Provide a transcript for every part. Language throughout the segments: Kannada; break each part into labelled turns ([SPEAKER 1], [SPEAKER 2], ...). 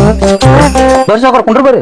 [SPEAKER 1] ಬರ್ರಿ ಸಾವ್ಕಾರ ಕುಂಡ್ರಿ ಬರ್ರಿ.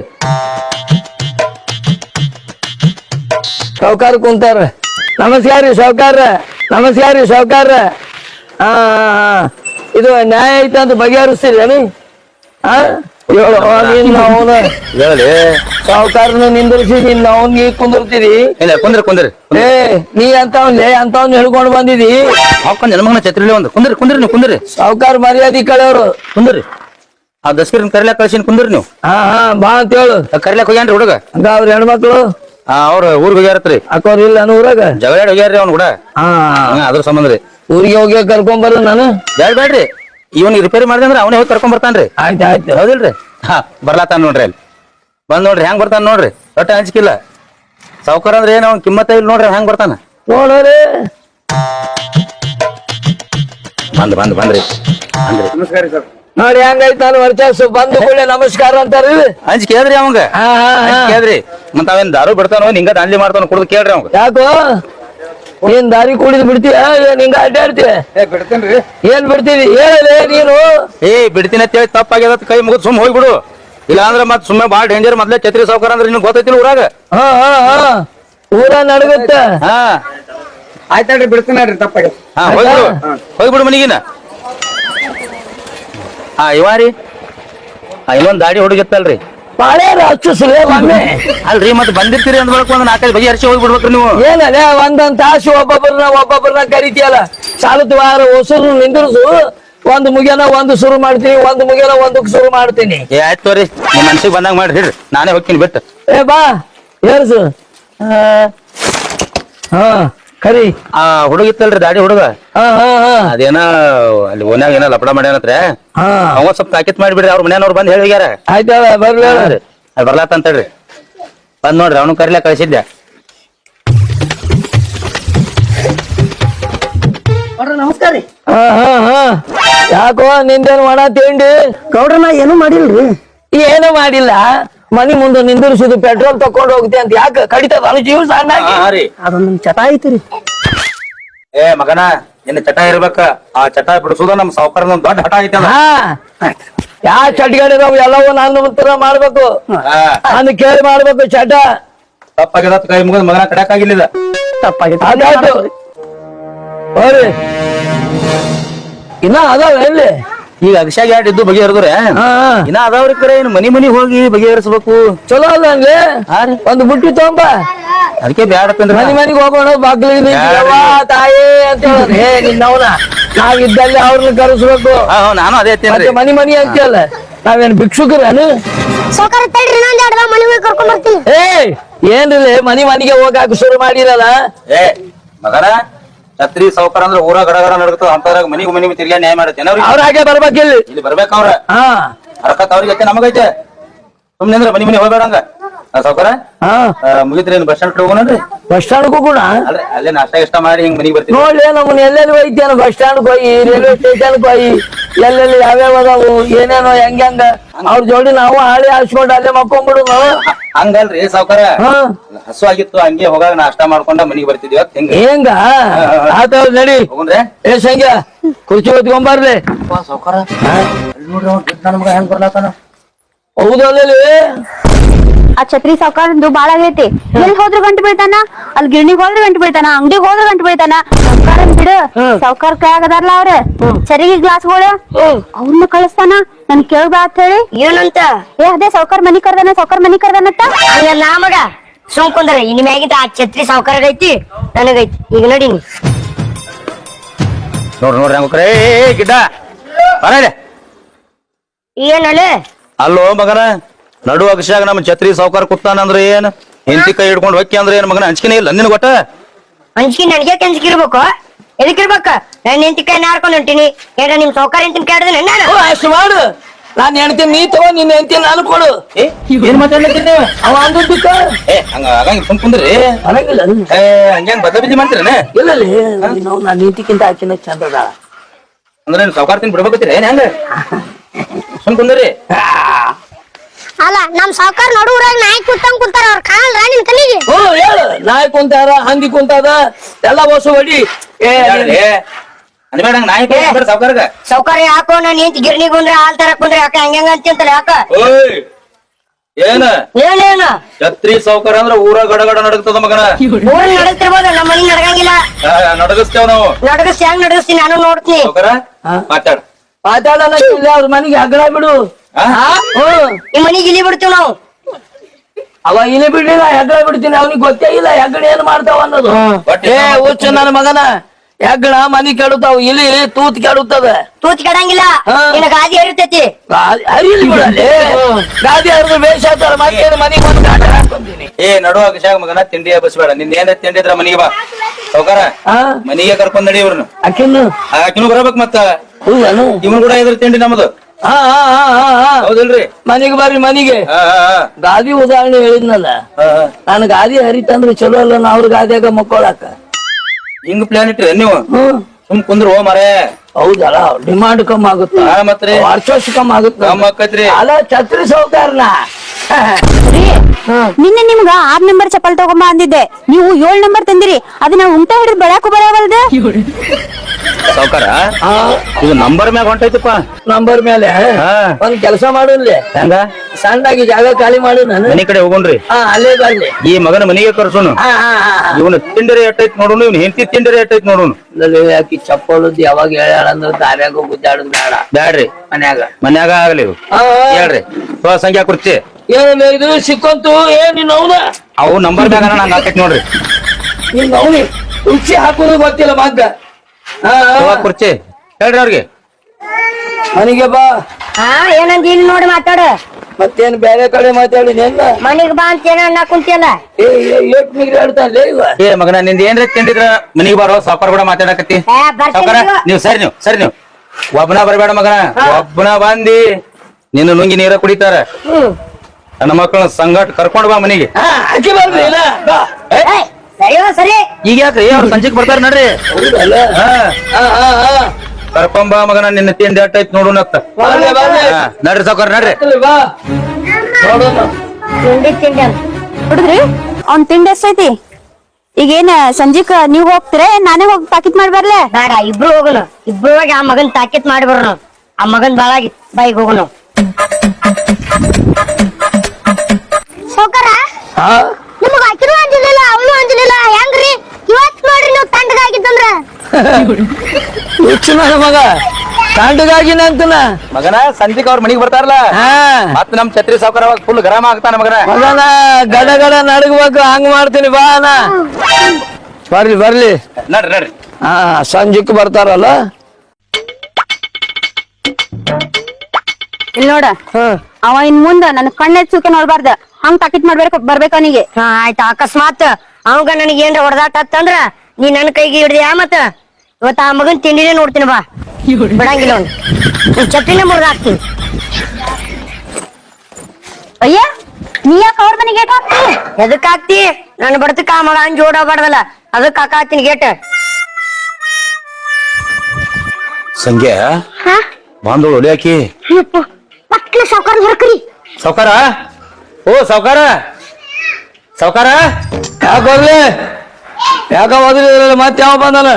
[SPEAKER 2] ಸಾವ್ಕಾರ ಕುಂತಾರ. ನಮಸ್ಕಾರ ರೀ ಸಾವ್ಕಾರ. ನಮಸ್ಕಾರ ರೀ ಸಾವ್ಕಾರ. ಹಾ ಇದು ನ್ಯಾಯ ಐತೆ ಅಂತ ಬಗೆಹರಿಸ್ತೀರಿ ಏನು? ಹಾ ಹೇಳು ನಿನ್ನ ಅವನ
[SPEAKER 1] ಹೇಳಿ
[SPEAKER 2] ಸಾವ್ಕಾರನ ನಿಂದಿರಿಸಿ ನಿನ್ನ ಅವನ್ಗೆ ಕುಂದಿರ್ತೀರಿ.
[SPEAKER 1] ಇಲ್ಲ ಕುಂದ್ರಿ ಕುಂದ್ರಿ
[SPEAKER 2] ಏ ನೀ ಅಂತವ್ನ ಹೇಳ್ಕೊಂಡು ಬಂದಿದಿ.
[SPEAKER 1] ಹಾಕೊಂಡ್ ಜನ್ಮಗನ ಛತ್ರಿಲಿ ಒಂದು ಕುಂದ್ರಿ ಕುಂದ್ರಿ ನೀವು ಕುಂದ್ರಿ.
[SPEAKER 2] ಸಾವ್ಕಾರ ಮರ್ಯಾದಿ ಕಳೆಯವ್ರು
[SPEAKER 1] ಕುಂದ್ರಿ. ಆ ದಸ್ಕರಿನ ಕರಿಲಾಕ್ ಕಳ್ಸಿನ್ ಕುಂದ್ರಿ ನೀವು.
[SPEAKER 2] ಹಾ ಬಾ ಅಂತ ಹೇಳು.
[SPEAKER 1] ಕರಿಲಾಕ್ ಹೋಗ್ಯಾನ್ರಿ ಹುಡುಗ.
[SPEAKER 2] ಹಂಗ ಅವ್ರ ಹೆಣ್ಮಕ್ಳು
[SPEAKER 1] ಅವ್ರ ಊರಿಗೆ ಹೋಗ್ಯಾರತ್ರಿ.
[SPEAKER 2] ಅಕ್ಕವ್ರ ಇಲ್ಲ ಊರಾಗ
[SPEAKER 1] ಜಗಳ ಹೋಗ್ಯಾರ್ರಿ ಅವ್ನು ಕೂಡ.
[SPEAKER 2] ಹಾ
[SPEAKER 1] ಅದ್ರ ಸಂಬಂಧ ರೀ
[SPEAKER 2] ಊರಿಗೆ ಹೋಗಿ ಕರ್ಕೊಂಬರ್ರಿ ನಾನು.
[SPEAKER 1] ಬೇಡ್ರಿ ಇವನ್ ರಿಪೇರಿ ಮಾಡಿದೆ ಅಂದ್ರೆ ಅವನೇ ಹೋಗಿ ಕರ್ಕೊಂಡ್ ಬರ್ತಾನ್ರಿ.
[SPEAKER 2] ಆಯ್ತು ಆಯ್ತು.
[SPEAKER 1] ಹೌದಿಲ್ರಿ? ಹಾ ಬರ್ಲಾತಾನ ನೋಡ್ರಿ ಅಲ್ಲಿ ಬಂದ್ ನೋಡ್ರಿ ಹೆಂಗ್ ಬರ್ತಾನ ನೋಡ್ರಿ. ಒಟ್ಟ ಹಂಚಿಕಿಲ್ಲ ಸಾವ್ಕಾರ ಅಂದ್ರೆ ಏನ್ ಅವ್ನ್ ಕಿಮ್ಮತ್ತ ಇಲ್ಲ ನೋಡ್ರಿ ಹೆಂಗ್ ಬರ್ತಾನ
[SPEAKER 2] ನೋಡ್ರಿ.
[SPEAKER 1] ಬಂದ್ರಿ ಬಂದ್ರಿ
[SPEAKER 3] ನಮಸ್ಕಾರ ಸರ್.
[SPEAKER 2] ನೋಡಿ ಹೆಂಗೈತ್ ನಾನು ವರ್ಚಸ್ಸು ಬಂದು ಕೂಡಲೇ ನಮಸ್ಕಾರ ಅಂತಾರ.
[SPEAKER 1] ಹಂಚಿ ಕೇಳ್ರಿ ಅವಂಗ ಕೇಳ್ರಿ. ಮತ್ತ ಅವೇನ್ ದಾರು ಬಿಡ್ತಾನೋ ಹಿಂಗ ದಾಂಧಲಿ ಮಾಡ್ತಾನ ಕುಡ್ದು ಕೇಳ್ರಿ ಅವಂಗ.
[SPEAKER 2] ಯಾಕೋ ಏನ್ ದಾರಿ ಕುಡಿದ್ ಬಿಡ್ತೀಯ ಏನ್ ಹಿಂಗ ಅಡ್ಡಾಡ್ತೀಯ?
[SPEAKER 3] ಬಿಡ್ತೇನ್ರಿ.
[SPEAKER 2] ಏನ್ ಬಿಡ್ತೀವಿ ಹೇಳಲೇ ನೀನು.
[SPEAKER 1] ಬಿಡ್ತೀನಿ ಅಂತ ಹೇಳಿ ತಪ್ಪಾಗ್ಯದ ಕೈ ಮುಗಿದ್ ಸುಮ್ ಹೋಗ್ಬಿಡು. ಇಲ್ಲ ಅಂದ್ರೆ ಮತ್ ಸುಮ್ಮನೆ ಬಾಳ ಡೇಂಜರ್. ಮೊದ್ಲೇ ಛತ್ರಿ ಸಾವ್ಕಾರ ಅಂದ್ರೆ ನಿನ್ಗೆ ಗೊತ್ತೈತಿಲ್ಲ ಊರಾಗ.
[SPEAKER 2] ಹಾ ಊರ ನಡಗತ್ತ.
[SPEAKER 1] ಹಾ
[SPEAKER 3] ಆಯ್ತಾಡ್ರಿ ಬಿಡ್ತೇನ್ರಿ ತಪ್ಪಾಗ.
[SPEAKER 1] ಹಾ ಹೋಗ್ಬಿಡು ಮನಿಗಿನ. ಹಾ ಇವಾರಿ ಇನ್ನೊಂದ್ ದಾಡಿ ಹುಡುಗಿತ್ತಲ್ರಿ
[SPEAKER 2] ಬಾಳೆ ರಾಕ್ಷಸರೇ ಒಮ್ಮೆ.
[SPEAKER 1] ಅಲ್ರಿ ಮತ್ ಬಂದಿರ್ತೀರಿ ಅಂದ್ ಬಳಕ ಒಂದ್ 4-5 ಬಗೆ ಹರಿಸಿ ಹೋಗ್ಬಿಡ್ಬೇಕ್ರಿ ನೀವು.
[SPEAKER 2] ಏನಲ್ಲ ಒಂದೊಂದ್ ತಾಸು ಒಬ್ಬೊಬ್ಬರನ್ನ ಕರಿತೀಯಲ್ಲ. ಸಾಲದ ವಾರ ಹೊಸರು ನಿಂದಿರ್ಸು. ಒಂದ್ ಮುಗಿಯನ ಒಂದು ಶುರು ಮಾಡ್ತೀನಿ, ಒಂದ್ ಮುಗಿಯನ ಒಂದಕ್ಕೆ ಶುರು ಮಾಡ್ತೀನಿ.
[SPEAKER 1] ಆಯ್ತು ತೋರಿ ನಿಮ್ ಮನ್ಸಿಗೆ ಬಂದಾಗ ಮಾಡಿ ಹೇಳ್ರಿ ನಾನೇ ಹೋಗ್ತೀನಿ ಬಿಟ್ಟು.
[SPEAKER 2] ಬಾ ಏರ್ಸು. ಹಾ ಕರಿ.
[SPEAKER 1] ಆ ಹುಡುಗಿತ್ತಲ್ರಿ ದಾಡಿ ಹುಡುಗ.
[SPEAKER 2] ಹಾ
[SPEAKER 1] ಅದೇನ ಅಲ್ಲಿ ಓನ್ಯಾಗ ಏನ ಲಪಡ ಮಾಡ್ಯಾನತ್ರೆ.
[SPEAKER 2] ಹಾ
[SPEAKER 1] ಅವ ಸ್ವಲ್ಪ ತಾಕೀತ್ ಮಾಡಿಬಿಡ್ರಿ. ಅವ್ರ ಮನೆಯವ್ರು ಬಂದ್ ಹೇಳಿಗ್ಯಾರ.
[SPEAKER 2] ಆಯ್ತವ ಬರ್ಲಿ.
[SPEAKER 1] ಬರ್ಲಾತ ಅಂತ ಹೇಳ್ರಿ. ಬಂದ್ ನೋಡ್ರಿ ಅವನು ಕರಿಲಾ ಕಳಿಸಿದ್ದೆ.
[SPEAKER 4] ನಮಸ್ಕಾರ ರೀ.
[SPEAKER 2] ಹಾ ಯಾಕೋ ನಿಂದೇನು ಒಣ ತಿಂಡಿ?
[SPEAKER 4] ಗೌಡ್ರ ನಾ ಏನು ಮಾಡಿಲ್ರಿ.
[SPEAKER 2] ಏನು ಮಾಡಿಲ್ಲ. ಮನಿ ಮುಂದೆ ನಿಂದಿರಿಸುದು ಪೆಟ್ರೋಲ್ ತಕೊಂಡ್ ಹೋಗುತ್ತೆ ಅಂತ ಯಾಕೆ ಕಡಿತದ ಜೀವ ಸಣ್ಣ.
[SPEAKER 4] ಅದೊಂದ್ ಚಟ ಐತ್ರಿ.
[SPEAKER 1] ಮಗನ ನಿನ್ನ ಚಟ ಇರ್ಬೇಕ. ಆ ಚಟ ಬಿಡಿಸೋದ ನಮ್ ಸಾವ್ಕಾರ ದೊಡ್ಡ ಹಠ ಐತೆ.
[SPEAKER 2] ಯಾ ಚಟ್ಗಳಿದಾವ್ ಎಲ್ಲವೂ ನಾನು ತರ ಮಾಡ್ಬೇಕು. ನಾನು ಕೇಳಿ ಮಾಡ್ಬೇಕು ಚಟ.
[SPEAKER 1] ತಪ್ಪಾಗಿದ ಕೈ ಮುಗಿದ ಮಗನ ಕಡಕಾಗಿಲ್ಲ.
[SPEAKER 4] ತಪ್ಪಾಗಿತ್ತು.
[SPEAKER 2] ಅದಾಯ್ತು ಹೋರಿ. ಇನ್ನ ಅದಾವ ಎಲ್ಲಿ?
[SPEAKER 1] ಈಗ ಅಗಶ್ಯಾಗ ಎರಡು ಇದ್ದು ಬಗೆಹರಿದ್ರೆ ಇನ್ನ ಅದಾವ್ರಿ ಕರೆ. ಇನ್ನು ಮನಿ ಹೋಗಿ ಬಗೆಹರಿಸ್ಬೇಕು.
[SPEAKER 2] ಚಲೋ ಅದ ಹಂಗೆ. ಒಂದು ಬುಟ್ಟಿ ತಗೊಂಬ.
[SPEAKER 1] ಅದಕ್ಕೆ ಬ್ಯಾಡತ್ತಂದ್ರಿ.
[SPEAKER 2] ಮನಿಗೆ ಹೋಗೋಣ ಬಾಗ್ಲಿಗೆ ತಾಯಿ ಅಂತ ಹೇಳೋದು. ನಿನ್ನವನ ನಾವಿದ್ದಲ್ಲಿ ಅವ್ರನ್ನ ಕರೆಸ್ಬೇಕು.
[SPEAKER 1] ನಾನು ಅದೇ ಹೇಳ್ತೇನೆ.
[SPEAKER 2] ಮನಿ ಅಂತೀಯಲ್ಲ ನಾವೇನ್ ಭಿಕ್ಷುಕರೇನು? ಏನ್ರಿ ಮನಿಗೆ ಹೋಗಾಕ ಶುರು ಮಾಡಿರಲ್ಲ.
[SPEAKER 1] ಮಗನ ಛತ್ರಿ ಸಾವ್ಕಾರ ಅಂದ್ರೆ ಊರ ಗಡಗಡ ನಡಗತ್ತ ಅಂತದ್ರಾಗ ಮನಿಗೆ ತಿರ್ಗಾ ನ್ಯಾಯ ಮಾಡತ್ತೆ.
[SPEAKER 2] ಅವ್ರ ಹಾಗೆ ಬರ್ಬೇಕಿಲ್ಲ.
[SPEAKER 1] ಇಲ್ಲಿ ಬರ್ಬೇಕ ಅವ್ರ. ಅರ್ಕತ್ ಅವ್ರಿಗೆ ಐತೆ ನಮಗೈತೆ. ಸುಮ್ನೆ ಅಂದ್ರೆ ಮನಿ ಹೋಗ್ಬೇಡಂಗ ಸಾವ್ಕಾರ. ಮುಗಿತ್ರಿ ಬಸ್ ಸ್ಟ್ಯಾಂಡ್ ಹೋಗೋಣನ್ರಿ.
[SPEAKER 2] ಬಸ್ ಸ್ಟ್ಯಾಂಡ್ ಹೋಗೋಣ.
[SPEAKER 1] ಅಲ್ಲೇ ನಾಷ್ಟ ಇಷ್ಟ ಮಾಡಿ ಹಿಂಗ್ ಮನಿಗೆ ಬರ್ತೀವಿ.
[SPEAKER 2] ನೋಡ್ಲಿ ನಮ್ಮನ್ನ ಎಲ್ಲೆಲ್ಲಿ ಹೋಯ್ತೇನ. ಬಸ್ ಸ್ಟ್ಯಾಂಡ್ ಹೋಗಿ ರೈಲ್ವೆ ಸ್ಟೇಷನ್ ಹೋಗಿ ಎಲ್ಲೆಲ್ಲಿ ಯಾವ್ಯಾವ ಅದಾವು ಏನೇನೋ ಹೆಂಗ ಅವ್ರ ಜೋಡಿ ನಾವು ಹಾಳಿ ಹಾಸ್ಕೊಂಡು ಅಲ್ಲೇ ಮಕ್ಕೊಂಡ್ಬಿಡು ನಾವು.
[SPEAKER 1] ಹಂಗಲ್ರಿ ಸಾವ್ಕಾರ. ಹಸು ಆಗಿತ್ತು ಹಂಗೆ ಹೋಗಾಗ ನಾಷ್ಟ ಮಾಡ್ಕೊಂಡ ಮನಿಗೆ ಬರ್ತಿದ್ವಿ.
[SPEAKER 2] ಹೆಂಗ ಆತ ನಡಿ
[SPEAKER 1] ಹೋಗ್ರೆ.
[SPEAKER 2] ಸಂಖ್ಯಾ ಕುರ್ಚಿ ಹೊತ್ಕೊಂಬರ್ಲಿ.
[SPEAKER 1] ಸಾವ್ಕಾರ ನೋಡ್ರಿ ನಮ್ಗ ಹೆಂಗ್ ಬರ್ಲಾತಾನ.
[SPEAKER 2] ಹೌದಲ್ಲಿ
[SPEAKER 5] ಆ ಛತ್ರಿ ಸಾವ್ಕಾರಂದು ಬಾಳ ಆಗೈತಿ. ಎಲ್ಲಿ ಹೋದ್ರು ಗಂಟು ಬೀಳ್ತಾನ. ಅಲ್ಲಿ ಗಿರ್ನಿಗ್ ಹೋದ್ರು ಗಂಟು ಬೀಳ್ತಾನ. ಅಂಗಡಿಗೆ ಹೋದ್ರು ಗಂಟು ಬೀಳ್ತಾನ. ಸಾವ್ಕಾರನ್ ಬಿಡು. ಸಾವ್ಕಾರ ಕೈಯಾಗದಾರಲ್ಲ ಅವ್ರ ಚರಿಗೆ ಗ್ಲಾಸ್ಗಳು ಅವ್ರನ್ನ ಕಳಿಸ್ತಾನ. ನನ್ ಕೇಳ್ಬಾ ಅಂತ ಹೇಳಿ.
[SPEAKER 6] ಏನಂತ?
[SPEAKER 5] ಅದೇ ಸಾವ್ಕಾರ ಮನಿ ಕರ್ದಾನಂತ.
[SPEAKER 6] ಹಂಗಲ್ಲ ಮಗ ಸುಮ್ ಕುಂದ್ರ. ಇನ್ ಮ್ಯಾಗಿಂದ ಆ ಛತ್ರಿ ಸಾವ್ಕಾರಗೈತಿ ನನಗೈತಿ. ಈಗ ನೋಡಿ
[SPEAKER 1] ನೋಡ್ರಿ ಹಂಗ್ರೆ ಗಿಡ್ಡ ಬರಡೆ.
[SPEAKER 6] ಏನಳೆ
[SPEAKER 1] ಅಲ್ಲೋ ಮಗನ ನಡು ಅಗಶ್ಯಾಗ ನಮ್ ಛತ್ರಿ ಸಾವ್ಕಾರ ಕೂತಾನ ಅಂದ್ರೆ ಏನ್ ಹೆಂಡತಿ ಕೈ ಹಿಡ್ಕೊಂಡು ಹೊಕ್ಕಿ ಅಂದ್ರೆ ಏನ್ ಮಗನ ಅಂಜಿಕೆನೇ ಇಲ್ಲ ನಿನ್ ಗೊತ್ತ?
[SPEAKER 6] ಅಂಜಿಕೆ ನನಗೆ ಅಂಜಿಕಿರ್ಬೇಕು. ಎದಕ್ಕಿರ್ಬೇಕ? ನಾನು ಹೆಂಡತಿ ಕೈ ನಾರ್ಕೊಂಡು ಹೊಂಟಿನಿ. ಏನ ನಿಮ್ ಸಾವ್ಕಾರ ಹೆಂಡತಿನ ಕೇಳಿದ್ರೆ ನಾನು
[SPEAKER 2] ಅಷ್ಟು ಮಾಡು. ನಾನ್ ಹೆಣ್ತೀನಿ ನೀ ತಗೋ, ನಿನ್ನ ಹೆಣ್ತೀನಿ ನಾನು ಕೊಡು.
[SPEAKER 1] ಏನ್ ಮಾತಾಡ್ಲತ್ತೀನಿ
[SPEAKER 2] ಅವ ಅಂದಕ್ಕ
[SPEAKER 1] ಹಂಗ ಸುಮ್ ಕುಂದ್ರಿ.
[SPEAKER 2] ಬರಂಗಿಲ್ಲ.
[SPEAKER 1] ಹಂಗೇನ್ ಬದ್ಲ ಬಿದ್ದಿ ಮಾಡ್ತೀರೇನ?
[SPEAKER 2] ಇಲ್ಲಲ್ಲಿ ನಾನ್ ನೀತಿಕ್ಕಿಂತ ಆಕಿನ ಚಂದ ಅದಾಳ.
[SPEAKER 1] ಅಂದ್ರೆ ಸಾವ್ಕಾರ ತಿನ್ ಬಿಡ್ಬೇಕತ್ತೀರಿ ಏನ್ ಹೆಂಗ? ಸುಮ್ ಕುಂದ್ರಿ.
[SPEAKER 5] ಅಲ್ಲ ನಮ್ ಸಾವ್ಕಾರ ನೋಡು ಊರಾಗ ನಾಯಿ ಕೂತಂಗ್ ಕೂತಾರ. ಅವ್ರ ಕಾಣಲ್ರ ನಿನ್ ಕಲಿಗೆ?
[SPEAKER 2] ಹೇಳು ನಾಯಿ ಕುಂತಾರ ಹಂದಿ ಕುಂತಾದ ಎಲ್ಲ ಹೊಸ ಹೊಡಿ.
[SPEAKER 1] ಅನ್ಬೇಡ ನಾಯಿ ಬೇಡ ಸಾವ್ಕಾರ್ಗ.
[SPEAKER 6] ಸೌಕರ್ಯ ಯಾಕೋ ನಾನು ಹೆಂಡತಿ ಗಿರ್ನಿಗ್ ಬಂದ್ರೆ ಹಾಲ್ ತರಕ್ ಬಂದ್ರೆ ಯಾಕ ಹಂಗ ಅಂತಿಂತಲ್ಲ ಯಾಕ
[SPEAKER 1] ಓಯ್ ಏನ
[SPEAKER 6] ಏನೇನು
[SPEAKER 1] ಛತ್ರಿ ಸಾವ್ಕಾರ ಅಂದ್ರ ಊರ ಗಡಗಡ ನಡಗ್ತದ ಮಗನ.
[SPEAKER 6] ಊರ್ ನಡೆಸ್ತಿರ್ಬೋದು ನಮ್ಮ ಮನೆ ನಡಗಂಗಿಲ್ಲ.
[SPEAKER 1] ನಡಗಿಸ್ತೇವ್ ನಾವು.
[SPEAKER 6] ನಡಗಿಸ್ ಹೆಂಗ್ ನಡಗಿಸ್ತೀನಿ ನಾನು ನೋಡ್ತೀನಿ.
[SPEAKER 1] ಸಾವ್ಕಾರ ಮಾತಾಡ.
[SPEAKER 2] ಮಾತಾಡಲ್ಲ ಇಲ್ಲ ಅವ್ರ ಮನೆಗೆ ಅಗ್ಳ ಬಿಡು.
[SPEAKER 6] ಈ ಮನಿಗೆ ಇಲ್ಲಿ ಬಿಡ್ತೀವಿ ನಾವು.
[SPEAKER 2] ಅವ ಇಲ್ಲಿ ಬಿಡ್ಲಿಲ್ಲ ಹೆಗ್ಗಳ ಬಿಡ್ತೀನಿ ಅವನಿಗೆ ಗೊತ್ತೇ ಇಲ್ಲ ಹೆಗ್ಗಣ ಏನ್ ಮಾಡ್ತಾವ ಅನ್ನೋದು. ಏ ಹುಚ್ಚು ನನ್ನ ಮಗನ ಹೆಗ್ಗಣ ಮನಿ ಕೆಡುತ್ತಾವ ಇಲ್ಲಿ ತೂತ್ ಕೆಡುತ್ತದ.
[SPEAKER 6] ತೂತ್ ಕೆಡಂಗಿಲ್ಲ ನಿನ್ನ ಗಾದಿ ಹರಿತೈತಿ.
[SPEAKER 2] ಅರಿಲಿ ಬಿಡಲ್ಲಿ ಗಾದಿ ಹರಿದು ಬೇಷ ಆತಾರ ಮತ್ತೇನು ಮನಿಗೆ ಬಂದು ಗಾಡಿ ಹಾಕೊಂತೀನಿ.
[SPEAKER 1] ಏ ನಡುವಾಗ ಶಾಗ ಮಗನ ತಿಂಡಿ ಬಸ್ಬೇಡ. ನಿನ್ ಏನ ತಿಂಡಿ ಇದ್ರ ಮನಿಗೆ ಬಾ ಸಾವ್ಕಾರ. ಮನಿಗೆ ಕರ್ಕೊಂಡ್ ನಡಿ ಇವ್ರನ್ನ.
[SPEAKER 2] ಅಕ್ಕಿನ್ನು
[SPEAKER 1] ಆಕಿನೂ ಬರ್ಬೇಕ್ ಮತ್ತ.
[SPEAKER 2] ಹೌದಾನು
[SPEAKER 1] ಇವನ್ ಕೂಡ ಇದ್ರ ತಿಂಡಿ ನಮ್ದು. ಹೌದಿಲ್ರಿ?
[SPEAKER 2] ಮನಿಗೆ ಬರ್ರಿ ಮನಿಗೆ. ಗಾದಿ ಉದಾಹರಣೆ ಹೇಳಿದ್ನಲ್ಲ ನನ್ ಗಾದಿ ಹರಿತಂದ್ರೆ ಚಲೋ ಅಲ್ಲ ನಾ ಅವ್ರ ಗಾದಿಯಾಗ ಮಕ್ಕೊಳಕ.
[SPEAKER 1] ಹಿಂಗ್ ಪ್ಲಾನ್ ಇಟ್ರಿ ನೀವು? ಸುಮ್ ಕುಂದ್ರು ಹೋ ಮರೆ.
[SPEAKER 2] ಹೌದಲ್ಲ ಡಿಮಾಂಡ್ ಕಮ್ಮಿ ಆಗುತ್ತೆ
[SPEAKER 1] ಮತ್ರಿ
[SPEAKER 2] ವರ್ಷ ಕಮ್ಮಿ ಆಗುತ್ತೆ.
[SPEAKER 1] ಕಮ್ಮ ಆಕತ್ರಿ.
[SPEAKER 2] ಅಲ್ಲ ಛತ್ರಿ ಸಾವ್ಕಾರನ
[SPEAKER 5] ನಿನ್ನೆ ನಿಮ್ಗ 6 ನಂಬರ್ ಚಪ್ಪಲ್ ತಗೊಂಬ ಅಂದಿದ್ದೆ, ನೀವು 7 ನಂಬರ್ ತಂದಿರಿ. ಅದನ್ನ ಉಂಟ ಹಿಡಿದು ಬೆಳಕು ಬರವಲ್ದ.
[SPEAKER 1] ಸಾವ್ಕಾರ ಇದು ನಂಬರ್ ಮ್ಯಾಗ ಹೊಂಟೈತಪ್ಪ.
[SPEAKER 2] ನಂಬರ್ ಮೇಲೆ ಒಂದ್ ಕೆಲಸ ಮಾಡಿರ್ಲಿ
[SPEAKER 1] ಹೆಂಗ
[SPEAKER 2] ಸಣ್ಣಾಗಿ ಜಾಗ ಖಾಲಿ ಮಾಡು ನಾನು
[SPEAKER 1] ಮನಿ ಕಡೆ ಹೋಗೋಣ್ರಿ.
[SPEAKER 2] ಅಲ್ಲೇ ಬರ್ಲಿ.
[SPEAKER 1] ಈ ಮಗನ ಮನಿಗೆ ಕರ್ಸೋನು. ಇವನು ತಿಂಡರೆ ಎಟ್ಟೈತ್ ನೋಡೋನು, ಇವ್ನ ಹೆಂಡತಿ ತಿಂಡರೆ ಎಟ್ಟೈತ್ ನೋಡೋನು.
[SPEAKER 2] ಯಾಕಿ ಚಪ್ಪಲದ್ದು ಯಾವಾಗ ಹೇಳ್ಯಾಳ ಅಂದ್ರೆ ದಾರ್ಯಾಗ ಗುದ್ದಾಡೋದ್ ಬೇಡ.
[SPEAKER 1] ಬ್ಯಾಡ್ರಿ ಮನ್ಯಾಗ ಆಗ್ಲಿ ಇವು. ಹೇಳ್ರಿ ಸಂಖ್ಯಾ ಕುರ್ಚಿ
[SPEAKER 2] ಏನಿಲ್ಲ ಇದು ಸಿಕ್ಕಂತು ಏನ್ ಅವನ
[SPEAKER 1] ಅವು ನಂಬರ್ ಮ್ಯಾಗ ನಂಗ ಹಾಕೈತಿ ನೋಡ್ರಿ.
[SPEAKER 2] ನಿನ್ ಅವನಿ ರುಚಿ ಹಾಕೋದು ಗೊತ್ತಿಲ್ಲ ಮಗ್ಗ.
[SPEAKER 1] ಕುರ್ಚಿ ಹೇಳ್ರಿ ಅವ್ರಿಗೆ.
[SPEAKER 2] ಮನಿಗೆ ಬಾ.
[SPEAKER 6] ಏನಂತ ಇಲ್ಲಿ ನೋಡಿ ಮಾತಾಡ.
[SPEAKER 2] ಮತ್ತೇನ್ ಬೇರೆ ಕಡೆ ಮಾತಾಡಿ ನೆಲ್ಲ
[SPEAKER 6] ಮನಿಗ್ ಬಾ ಅಂತ ಏನ ಕುಂತಿಯಲ್ಲ.
[SPEAKER 2] ಏಟ್ ಮಿಗ್ರಿ ಆಡ್ತಾನೆ ಇವ.
[SPEAKER 1] ಏ ಮಗನ ನಿಂದ ಏನ್ರ ತಿಂಡಿದ್ರ ಮನಿಗೆ ಬಾರೋ ಸಾವ್ಕಾರ ಕೂಡ ಮಾತಾಡಕತ್ತಿ. ಸಾವ್ಕಾರ ನೀವು ಸರಿ ನೀವು ಒಬ್ಬನ ಬರಬೇಡ ಮಗನ. ಒಬ್ಬನ ಬಂದಿ ನಿನ್ನ ನುಂಗಿ ನೀರ ಕುಡಿತಾರ. ನನ್ನ ಮಕ್ಕಳನ್ನ ಸಂಗಟ್ ಕರ್ಕೊಂಡ್ ಬಾ ಮನಿಗೆ.
[SPEAKER 2] ಅಕ್ಕಿ ಬರ್ಲಿ ಇಲ್ಲ ಬಾ.
[SPEAKER 6] ಸರಿ
[SPEAKER 1] ಈಗ ಯಾಕ್ರಿ ಅವ್ರು ಸಂಜೆಗ್ ಬರ್ತಾರ ನಡ್ರಿ. ಕರ್ಕೊಂಡ್ ಬಾ ಮಗನ ನಿನ್ನ ತಿಂಡಿ ಅಟ್ಟೈತ್ ನೋಡುನತ್ತ. ನಡ್ರಿ ಸಾವ್ಕಾರ ನಡ್ರಿ.
[SPEAKER 2] ಬಾ ನೋಡೋಣ.
[SPEAKER 6] ತಿಂಡಿ
[SPEAKER 5] ಹುಡುಗ್ರಿ ಅವ್ನ್ ತಿಂಡಿ ಎಷ್ಟೈತಿ? ಈಗೇನ ಸಂಜಿಕ್ ನೀವ್ ಹೋಗ್ತೀರ ನಾನೇ ಹೋಗಿ ಪ್ಯಾಕೆಟ್ ಮಾಡಿ ಬರ್ಲೆ?
[SPEAKER 6] ಬೇಡ ಇಬ್ರು ಹೋಗೋಣ. ಇಬ್ರು ಹೋಗಿ ಆ ಮಗನ್ ತಾಕೀತ್ ಮಾಡಿ ಬರೋಣ. ಆ ಮಗನ್ ಬಾಳಾಗಿ ಬಾಯಿಗೆ ಹೋಗೋಣ.
[SPEAKER 5] ಸೌಕರ ನಿಮಗ ಅಕ್ಕಿನೂ ಅಂಜಲಿಲ್ಲ ಅವನು ಅಂಜಲಿಲ್ಲ ಹೆಂಗ್ರಿ? ಇವತ್ ನೋಡ್ರಿ ನೀವು ತಂಡಗಾಗಿದ್ದಂದ್ರ.
[SPEAKER 2] ಹುಚ್ಚು ನನ್ನ ಮಗ ತಂಡಗಾಗಿನ ಅಂತನ
[SPEAKER 1] ಮಗನ ಸಂಜೆಗ್ ಅವ್ರ ಮನಿಗ್ ಬರ್ತಾರಲ್ಲ ಮತ್ ನಮ್ ಛತ್ರಿ ಸಾವ್ಕಾರ ಅವಾಗ ಫುಲ್ ಗರಮ ಆಗ್ತಾನ ಮಗನ.
[SPEAKER 2] ಮಗನ ಗಡ ಗಡ ನಡಗಬೇಕು ಹಂಗ ಮಾಡ್ತೀನಿ ಬಾ ಅಣ್ಣ. ಬರ್ಲಿ ಬರ್ಲಿ
[SPEAKER 1] ನಡ್ರಿ.
[SPEAKER 2] ಸಂಜೆಕ್ ಬರ್ತಾರಲ್ಲ.
[SPEAKER 5] ಇಲ್ಲಿ ನೋಡ ಅವ ಇನ್ ಮುಂದ ನನ್ ಕಣ್ಣ ಸುಖ ನೋಡ್ಬಾರ್ದ ಹಂಗ್ ಪ್ಯಾಕೆಟ್ ಬರ್ಬೇಕು ಅವನಿಗೆ.
[SPEAKER 6] ಆಯ್ತು ಅಕಸ್ಮಾತ್ ಅವಾಗ ನನಗೆ ಏನ್ರ ಹೊಡೆದಾಟ ಆತಂದ್ರ ನೀ ನನ್ನ ಕೈಗೆ ಹಿಡ್ದಿಯಾ ಮತ್ತ ಇವತ್ತ ಆ ಮಗನ್ ತಿಂಡಿನೇ ನೋಡ್ತೀನಿ ಬಾ. ಬಿಡಂಗಿಲ್ಲ ಅವ್ನು ಚಟ್ರಿನೇ ಮುರಿದ ಹಾಕ್ತೀನಿ.
[SPEAKER 5] ಅಯ್ಯ ನೀ ಯಾಕೆ ಅವ್ರ ಮನೆ ಗೇಟ್ ಹಾಕ್ತಿ?
[SPEAKER 6] ಎದಕ್ ಹಾಕ್ತಿ? ನನ್ನ ಬಡತಕ್ಕ ಆ ಮಗ ಹಂಜ್ ಓಡಾಡ್ಬಾರ್ದಲ್ಲ ಅದಕ್ಕೆ ಹಾಕಾತೀನಿ ಗೇಟ್.
[SPEAKER 1] ಸಂಖ್ಯೆ ಬಾಂಧವ್ ಒಲಿಯಾಕಿ
[SPEAKER 5] ಮಕ್ಳ ಸಾವ್ಕಾರ ಹೊರಕ್ರಿ.
[SPEAKER 1] ಸಾವ್ಕಾರ ಓ ಸಾವ್ಕಾರ ಸಾವ್ಕಾರ
[SPEAKER 2] ಯಾಕ ಹೋಗ್ಲಿ ಯಾಕ ಹೋದ್ರಿ ಮತ್ತೆ ಯಾವ ಬಂದನ?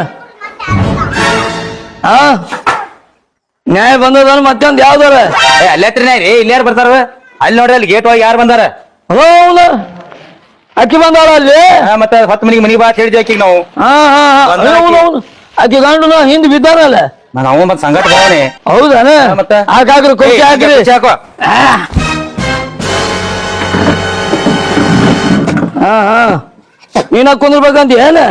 [SPEAKER 2] ನ್ಯಾಯ ಬಂದದ ಮತ್ತೊಂದ್ ಯಾವ್ದಾರ
[SPEAKER 1] ಅಲ್ಲೇತ್ರಿ ರೀ ಇಲ್ಲಿ ಯಾರು ಬರ್ತಾರ? ಅಲ್ಲಿ ನೋಡ್ರಿ ಅಲ್ಲಿ ಗೇಟ್ ಒಳಗೆ ಯಾರು ಬಂದಾರ?
[SPEAKER 2] ಹೌದ ಅಕ್ಕಿ ಬಂದಾಳ ಅಲ್ಲಿ.
[SPEAKER 1] ಮತ್ತೆ 10 ಮನಿಗೆ ಬಾ ಅಂತ ಹೇಳಿದ್ವಿ ಆಕಿಗೆ ನಾವು.
[SPEAKER 2] ಹೌದು ಅಕ್ಕಿ ಗಂಡು ಹಿಂದ್ ಬಿದ್ದಾರಲ್ಲ.
[SPEAKER 1] ನಾವು ಮತ್ ಸಂಗಟ ಭಾವನೆ.
[SPEAKER 2] ಹೌದಾನ
[SPEAKER 1] ಮತ್ತೆ
[SPEAKER 2] ಹಾಕ್ರಿ ಕುರ್ಚಿ ಹಾಕ್ರಿ.
[SPEAKER 1] ಹಾಕೋ.
[SPEAKER 2] ನೀನ ಕುಂದ್ರಬೇಕಂತ ಏನ?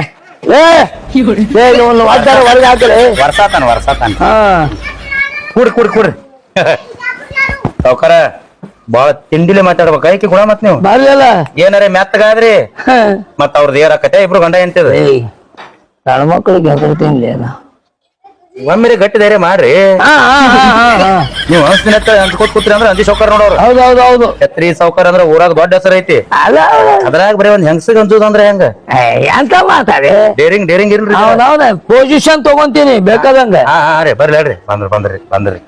[SPEAKER 2] ಒಳಗೆ ಹಾಕ್ರಿ.
[SPEAKER 1] ವರ್ಷಾತಾನ ಕೂಡ್ರಿ ಸಾವ್ಕಾರ ಬಾಳ ತಿಂಡಿಲೆ ಮಾತಾಡ್ಬೇಕ ಐಕಿ ಗುಣ ಮತ್ ನೀವು
[SPEAKER 2] ಬರ್ಲಿಲ್ಲ
[SPEAKER 1] ಏನಾರ ಮೆತ್ತಗಾದ್ರಿ ಮತ್ ಅವ್ರದ್ದು ಏರಾಕತೆ ಇಬ್ರು ಗಂಡ ಎಂತಿದ
[SPEAKER 2] ಸಣ್ಣ ಮಕ್ಕಳಿಗೆ ಹೆಸರ್ತೀನಿ
[SPEAKER 1] ಒಮ್ಮೆ ಗಟ್ಟಿ ಧೈರ್ಯ ಮಾಡ್ರಿ. ನೀವು ಅನ್ಸ್ತಿನ ಅಂದ್ಕೊತ್ ಕೂತ್ರಿ ಅಂದ್ರೆ ಅಂದಿ ಸಾವ್ಕಾರ ನೋಡೋರು.
[SPEAKER 2] ಹೌದು
[SPEAKER 1] ಛತ್ರಿ ಸಾವ್ಕಾರ ಅಂದ್ರ ಊರಾಗ ದೊಡ್ಡ ಹೆಸರು ಐತಿ. ಅದ್ರಾಗ ಬರೀ ಒಂದ್ ಹೆಂಗಸಿಗೆ ಅಂಜುದ ಅಂದ್ರೆ ಹೆಂಗ
[SPEAKER 2] ಎಂತ ಮಾತಾಡಿ
[SPEAKER 1] ಡೇರಿಂಗ್ ಇಲ್ರಿ.
[SPEAKER 2] ಹೌದೌದ ಪೊಸಿಷನ್ ತಗೊಂತೀನಿ ಬೇಕಾದಂಗ.
[SPEAKER 1] ರೀ ಬರ್ಲಿ ಹೇಳ್ರಿ. ಬಂದ್ರಿ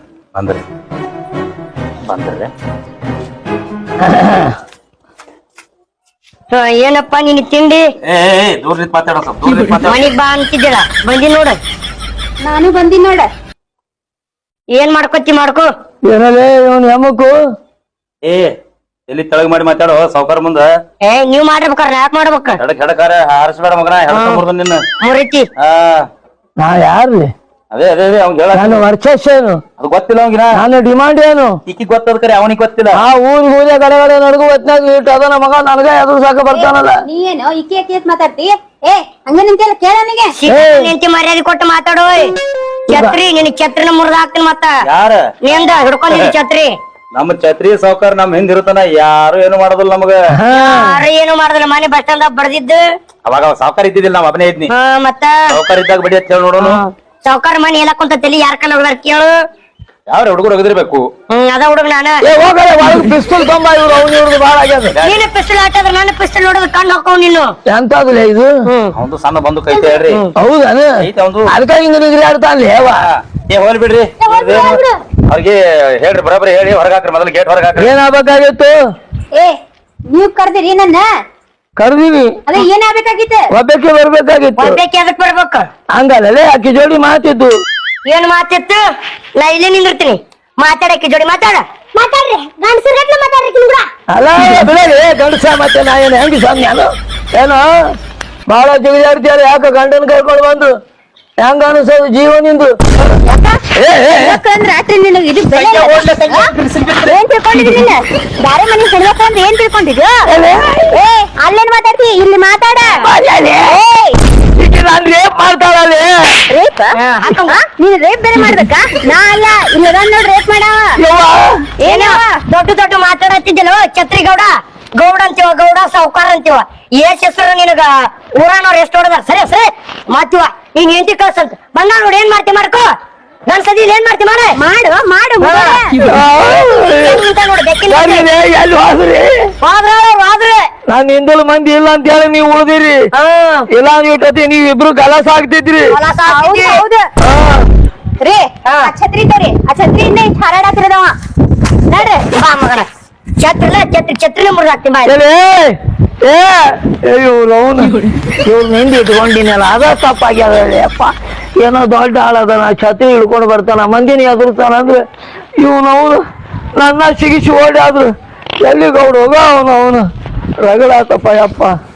[SPEAKER 6] ಏನಪ್ಪ ನಿನ್ ತಿಂಡಿ?
[SPEAKER 1] ದೂರ ಮಾತಾಡೋ
[SPEAKER 6] ಮನಿಗ್ ಬಾ ಅಂತಿದ್ದೀರ ಬಂದಿ ನೋಡ.
[SPEAKER 5] ನಾನು ಬಂದಿನ್ ನೋಡ.
[SPEAKER 6] ಏನ್ ಮಾಡ್ಕೊತಿ ಮಾಡ್ಕೋ.
[SPEAKER 2] ಏನಲ್ಲೇ ಇವನ್ ಹೆಮ್ಮಕ್ಕು
[SPEAKER 1] ಏ ಎಲ್ಲಿ ತೆಳಗ್ ಮಾಡಿ ಮಾತಾಡೋ ಸಾವ್ಕಾರ ಮುಂದ
[SPEAKER 6] ನೀವ್ ಮಾಡ್ಬೇಕಾರ ಯಾಕೆ ಮಾಡ್ಬೇಕ
[SPEAKER 1] ಹೆಡಕಾರ ಹಾರಿಸ್ಬೇಡ ಮಗನ ಹೆಡ್ಕೊಂಡ್ಬರ್ದು ನಿನ್ನ
[SPEAKER 6] ಮುರಿತಿ.
[SPEAKER 2] ನಾ ಯಾರ್ಲಿ
[SPEAKER 1] ಅದೇ ಅದೇ ಅದೇ ಅವ್ನ್ ಹೇಳ
[SPEAKER 2] ನಾನು ವರ್ಚಸ್ ಏನು
[SPEAKER 1] ಅದು ಗೊತ್ತಿಲ್ಲ ಅವಂಗಿನ
[SPEAKER 2] ನಾನು ಡಿಮಾಂಡ್ ಏನು
[SPEAKER 1] ಈಕಿ ಗೊತ್ತದ ಕರೆ ಅವನಿಗೆ ಗೊತ್ತಿಲ್ಲ
[SPEAKER 2] ಆ ಊರೇ ಗಡೆ ನಡ್ಗು ಹೊತ್ನಾಗ ಇಟ್ಟು ಅದನ್ನ ಮಗ ನನಗ ಎದುರು ಸಾಕ ಬರ್ತಾನಲ್ಲ.
[SPEAKER 5] ನೀ ಏನು ಇಕ್ಕಿ ಇಕ್ಕಿ ಮಾತಾಡ್ತಿ? ಏ ಹಂಗ ನಿಂತೆಲ್ಲ ಕೇಳ ನನಗೆ.
[SPEAKER 6] ನಿಂತಿ ಮರ್ಯಾದೆ ಕೊಟ್ಟು ಮಾತಾಡೋ. ಛತ್ರಿ ನಿನ್ ಛತ್ರಿನ ಮುರಿದ ಹಾಕ್ತೀನಿ ಮತ್ತ
[SPEAKER 1] ಯಾರ
[SPEAKER 6] ನಿಂದ ಹಿಡ್ಕೊಂಡಿರಿ ಛತ್ರಿ.
[SPEAKER 1] ನಮ್ಮ ಛತ್ರಿ ಸಾವ್ಕಾರ ನಮ್ ಹಿಂದ್ ಇರುತ್ತಾನ ಯಾರು ಏನು ಮಾಡೋದಿಲ್ಲ ನಮಗ.
[SPEAKER 6] ಯಾರು ಏನು ಮಾಡುದಿಲ್ಲ ಮನೆ ಬಸ್ ಸ್ಟಾಂಡ್ ಬಡ್ದಿದ್ದು.
[SPEAKER 1] ಅವಾಗ ಅವ ಸಾವ್ಕಾರ ಇದ್ದಿದ್ದಿಲ್ಲ ನಾವ್ ಅಭನೇ ಇದ್ನಿ.
[SPEAKER 6] ಮತ್ತ
[SPEAKER 1] ಸಾವ್ಕಾರ ಇದ್ದಾಗ ಬಡಿ ಅಂತ ಹೇಳಿ ನೋಡೋನು.
[SPEAKER 6] ಸಾವ್ಕಾರ ಮನೆ ಎಲ್ಲ ಕುಂತ ತಲಿ ಯಾರ ಕಣ್ಣ ಹೋಗ್ದಾರ ಕೇಳು.
[SPEAKER 1] ಯಾವ್ರ ಹುಡುಗರು ಹೋಗಿದಿರ್ಬೇಕು.
[SPEAKER 6] ಅದ ಹುಡುಗ ನಾನ.
[SPEAKER 2] ಏ ಹೋಗಲ್ಲ ಒಳಗ್ ಪಿಸ್ತೂಲ್ ತೊಂಬ ಇವ್ರು ಅವ್ನು ಇವ್ರದ್ದು ಬಾಳ ಆಗ್ಯದ.
[SPEAKER 6] ನೀನು ಪಿಸ್ತೂಲ್ ಹಾಕಿದ್ರೆ ನಾನು ಪಿಸ್ತೂಲ್ ನೋಡಿದ್ರೆ ಕಣ್ಣು ಹಾಕವ್ ನೀನು.
[SPEAKER 2] ಎಂತದಿಲ್ಲ ಇದು
[SPEAKER 1] ಅವಂದು ಸಣ್ಣ ಬಂದು ಕೈತೆ ಹೇಳ್ರಿ
[SPEAKER 2] ಹೌದಾನ
[SPEAKER 1] ಐತೆ ಅವಂದು.
[SPEAKER 2] ಅದಕ್ಕಾಗಿ ಹಿಂಗ ನಿಗ್ರಿ ಆಡ್ತಾನ್ಲಿ ಹೇವ.
[SPEAKER 1] ಏ ಹೋಲ್ ಬಿಡ್ರಿ ಅವ್ರಿಗೆ ಹೇಳ್ರಿ ಬರೋಬ್ಬರಿ ಹೇಳಿ ಹೊರಗಾಕ್ರಿ ಮೊದಲು ಗೇಟ್ ಹೊರಗಾಕ್ರಿ.
[SPEAKER 2] ಏನಾಗ್ಬೇಕಾಗಿತ್ತು?
[SPEAKER 5] ಏ ನೀವ್ ಕರ್ದಿರಿ ನನ್ನ?
[SPEAKER 2] ಕರ್ದೀವಿ
[SPEAKER 5] ಅದೇ ಏನಾಗ್ಬೇಕಾಗಿತ್ತು?
[SPEAKER 2] ಒಬ್ಬಕ್ಕೆ ಬರ್ಬೇಕಾಗಿತ್ತು.
[SPEAKER 6] ಒಬ್ಬಾಕಿ ಅದಕ್ ಬರ್ಬೇಕು.
[SPEAKER 2] ಹಂಗಲ್ಲೇ ಆಕಿ ಜೋಡಿ ಮಾತಿದ್ದು.
[SPEAKER 6] ಏನ್ ಮಾತಿತ್ತು? ನಾ ಇಲ್ಲೇ ನಿಂದಿರ್ತೀನಿ. ಮಾತಾಡಕ್ಕೆ ಜೋಡಿ ಮಾತಾಡ.
[SPEAKER 5] ಮಾತಾಡ್ರಿ ಗಂಡಸರ್ಗಟ್ಲೆ ಮಾತಾಡ್ರಿ ಕೂಡ.
[SPEAKER 2] ಅಲ್ಲ ಬಿಡಲಿ ಗಂಡಸ ಮತ್ತೆ ನಾ ಏನು ಹೆಂಗ ಸ್ವಾಮಿ ನಾನು ಏನೋ ಬಹಳ ಜಿಗಿದಾಡ್ತೀಯಾರ ಯಾಕ ಗಂಡನ ಕರ್ಕೊಂಡು ಬಂದು ಹೆಂಗ ಅನಿಸೋದು ಜೀವನಿಂದು.
[SPEAKER 5] ರಾತ್ರಿ ನಿನಗೆ ಇದು ಬೆಲೆ ಏನ್ ತಿಳ್ಕೊಂಡಿದ್ದೀನಿ ನೀನು? ಬ್ಯಾರೆ ಮನೆ ಹೆಣ್ಮಕ್ಳು ಅಂದ್ರೆ ಏನ್ ತಿಳ್ಕೊಂಡಿದ್ಯೋ? ಏ ಅಲ್ಲೇನ್ ಮಾತಾಡ್ತಿ? ಇಲ್ಲಿ ಮಾತಾಡ.
[SPEAKER 2] ನಾನು ರೇಪ್ ಮಾಡ್ತಾಳಲ್ಲಿ.
[SPEAKER 5] ರೇಪ್? ನೀನ್ ರೇಪ್ ಬೇರೆ ಮಾಡ್ಬೇಕಾ? ನಾ ಅಲ್ಲ ಇಲ್ಲ ನೋಡ್ ರೇಪ್ ಮಾಡವ.
[SPEAKER 6] ಏನ ದೊಡ್ಡ ದೊಡ್ಡ ಮಾತಾಡತ್ತಿದ್ದಲ್ಲ ಛತ್ರಿ ಗೌಡ. ಗೌಡ ಅಂತೀವ ಗೌಡ ಸಾವ್ಕಾರ ಅಂತೀವ. ಏಸ್ ಹೆಸರು ನಿನಗ ಊರಾನವ್ರು ಎಷ್ಟು ಹೊಡೆದಾರ. ಸರಿ ಸರಿ ಮಾತಿವ ನೀನ್ ಹೆಂಡತಿ ಕಳ್ಸಂತ ಬಂದ ನೋಡಿ ಏನ್ ಮಾಡ್ತಿ ಮಾಡ್ಕೋ. ನನ್ ಸದಿ ಏನ್ ಮಾಡ್ತಿ ಮಾಡ
[SPEAKER 5] ಮಾಡು ಮಾಡು
[SPEAKER 6] ನೋಡಿ ಬೆಕ್ಕಿನ
[SPEAKER 2] ಎಲ್ಲಿ ಹೋದ್ರಿ?
[SPEAKER 6] ಹೋದ್ರೆ
[SPEAKER 2] ನಾನ್ ಹಿಂದಲ್ ಮಂದಿ ಇಲ್ಲ ಅಂತ ಹೇಳಿ ನೀವು ಉಳಿದಿರಿ. ಇಲ್ಲ ನೀವ್ ನೀವ್ ಇಬ್ರು ಕಲಸ ಆಗ್ತಿದ್ರಿ.
[SPEAKER 5] ಹೌದು ರೀ. ಆ ಛತ್ರಿ ತೋರಿ. ಆ ಛತ್ರಿಯಿಂದ ಇಷ್ಟು ಹಾರಾಡತ್ತಿರದವ ನೋಡ್ರಿ.
[SPEAKER 6] ಬಾ ಮಗನ ಛತ್ರಿಲ್ಲ ಛತ್ರಿನ ಮುರಿದು ಹಾಕ್ತೀನಿ ಬಾ.
[SPEAKER 2] ಇವ್ರು ಅವನು ಇವ್ರ ನಿಂದ ಇಟ್ಕೊಂಡಿನಲ್ಲ ಅದ ತಪ್ಪಾಗ್ಯದ ಅಪ್ಪ. ಏನೋ ದೊಡ್ಡ ಆಳದನ ಛತ್ರಿ ಹಿಡ್ಕೊಂಡು ಬರ್ತಾನ ಮಂದಿನ ಎದುರ್ತಾನ ಅಂದ್ರೆ ಇವನವನು ನನ್ನ ಸಿಗಿಸಿ ಓಡಾದ್ರು ಎಲ್ಲಿ ಗೌಡ ಹೋಗ ಅವನು ರಗಡಾತಪ್ಪ ಯಪ್ಪ.